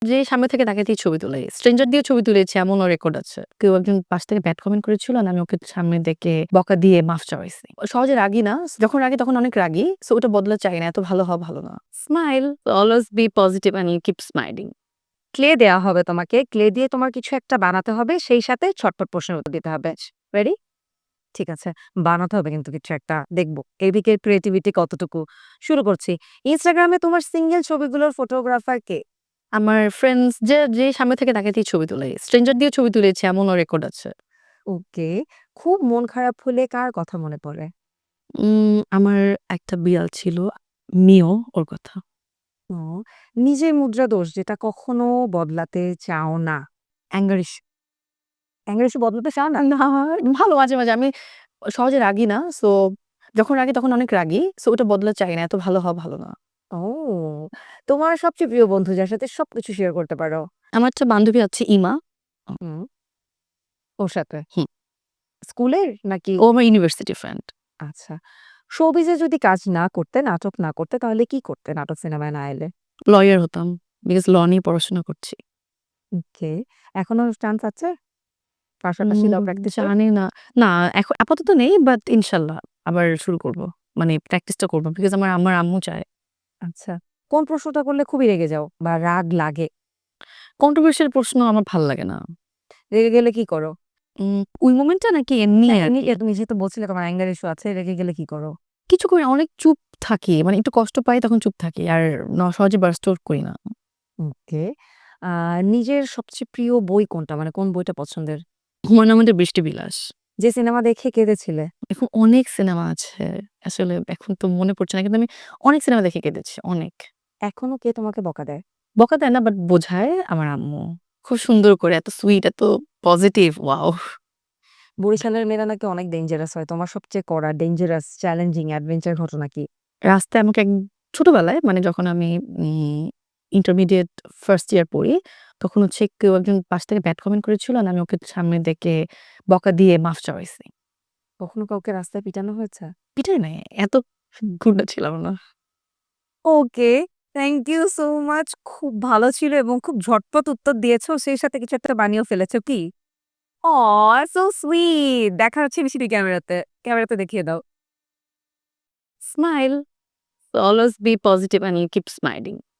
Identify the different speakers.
Speaker 1: যে সামনে থেকে তাকে দিয়ে ছবি তুলে। স্ট্রেঞ্জার দিয়ে ছবি তুলেছি এমনও রেকর্ড আছে। কেউ একজন পাশ থেকে ব্যাড কমেন্ট করেছিল আর আমি ওকে সামনে দেখে বকা দিয়ে মাফ চাওয়াইছি। সহজে রাগি না। যখন রাগি তখন অনেক রাগি। সো ওটা বদলা চাই না। এত ভালো হওয়া ভালো না। Smile, always be positive and keep smiling.
Speaker 2: ক্লে দেয়া হবে তোমাকে। ক্লে দিয়ে তোমার কিছু একটা বানাতে হবে। সেই সাথে ছটফট প্রশ্নের উত্তর দিতে হবে। রেডি? ঠিক আছে। বানাতে হবে কিন্তু কিছু একটা। দেখব এদিকের ক্রিয়েটিভিটি কতটুকু। শুরু করছি। Instagram এ তোমার সিঙ্গেল ছবিগুলোর ফটোগ্রাফার কে?
Speaker 1: আমার ফ্রেন্ডস যে সামনে থেকে তাকে দিয়ে ছবি তুলে। স্ট্রেঞ্জার দিয়ে ছবি তুলেছি এমনও রেকর্ড আছে।
Speaker 2: ওকে। খুব মন খারাপ হলে কার কথা মনে পড়ে?
Speaker 1: আমার একটা বিড়াল ছিল, মিও ওর কথা।
Speaker 2: ও নিজের মুদ্রা দোষ যেটা কখনো বদলাতে চাও না। Anger issue. অ্যাঙ্গার ইস্যু বদলাতে চাও না?
Speaker 1: না, ভালো মাঝে মাঝে আমি সহজে রাগি না। সো যখন রাগি তখন অনেক রাগি। সো ওটা বদলা চাই না। এত ভালো হওয়া ভালো না।
Speaker 2: ও! তোমার সবচেয়ে প্রিয় বন্ধু যার সাথে সবকিছু শেয়ার করতে পারো?
Speaker 1: আমার একটা বান্ধবী আছে ইমা।
Speaker 2: হুম। ওর সাথে?
Speaker 1: হুম,
Speaker 2: স্কুলের নাকি?
Speaker 1: ও আমার ইউনিভার্সিটি ফ্রেন্ড।
Speaker 2: আচ্ছা। শোবিজে যদি কাজ না করতে, নাটক না করতে তাহলে কি করতে নাটক সিনেমায় না এলে?
Speaker 1: লয়ার হতাম। বিকজ ল নিয়ে পড়াশোনা করছি।
Speaker 2: ওকে। এখনো চান্স আছে? পাশাপাশি
Speaker 1: উম
Speaker 2: ল প্র্যাকটিসের?
Speaker 1: জানি না। না, আপাতত নেই বাট ইনশাল্লাহ আবার শুরু করব। মানে প্র্যাকটিসটা করব। বিকজ আমার আম্মু চায়।
Speaker 2: আচ্ছা। কোন প্রশ্নটা করলে খুবই রেগে যাও বা রাগ লাগে?
Speaker 1: কন্ট্রোভার্সিয়াল প্রশ্ন আমার ভাল লাগে না।
Speaker 2: রেগে গেলে কি করো?
Speaker 1: ওই মোমেন্টটা নাকি এমনি
Speaker 2: না
Speaker 1: আরকি।
Speaker 2: এমনিতে তুমি যেহেতু বলছিলে তোমার অ্যাঙ্গার ইস্যু আছে, রেগে গেলে কি করো?
Speaker 1: কিছু করি না, অনেক চুপ থাকি। মানে একটু কষ্ট পাই তখন চুপ থাকি। আর সহজে বার্স্ট আউট করি না।
Speaker 2: ওকে। আ নিজের সবচেয়ে প্রিয় বই কোনটা? মানে কোন বইটা পছন্দের?
Speaker 1: হুমায়ূন আহমেদের 'বৃষ্টি বিলাস'।
Speaker 2: যে সিনেমা দেখে কেঁদেছিলে?
Speaker 1: এখন অনেক সিনেমা আছে। আসলে এখন তো মনে পড়ছে না। কিন্তু আমি অনেক সিনেমা দেখে কেঁদেছি, অনেক।
Speaker 2: এখনো কে তোমাকে বকা দেয়?
Speaker 1: বকা দেয় না বাট বোঝায় আমার আম্মু। খুব সুন্দর করে এত সুইট, এত পজিটিভ, ওয়াও!
Speaker 2: বরিশালের মেয়েরা নাকি অনেক ডেঞ্জারাস হয়। তোমার সবচেয়ে কড়া ডেঞ্জারাস চ্যালেঞ্জিং অ্যাডভেঞ্চার ঘটনা কি?
Speaker 1: রাস্তায় আমাকে ছোটবেলায় মানে যখন আমি উম ইন্টারমিডিয়েট ফার্স্ট ইয়ার পড়ি, তখন হচ্ছে কেউ একজন পাশ থেকে ব্যাড কমেন্ট করেছিল আর আমি ওকে সামনে দেখে বকা দিয়ে মাফ চাওয়াইছি।
Speaker 2: কখনো কাউকে রাস্তায় পিটানো হয়েছে?
Speaker 1: পিটাই নাই, এত গুন্ডা ছিলাম না।
Speaker 2: Okay, thank you so much. খুব ভালো ছিল এবং খুব ঝটপট উত্তর দিয়েছো। সেই সাথে কিছু একটা বানিয়েও ফেলেছো কি? অহ! So sweet. দেখা হচ্ছে মিষ্টি ক্যামেরাতে। ক্যামেরাতে দেখিয়ে দাও।
Speaker 1: Smile, always be positive and keep smiling.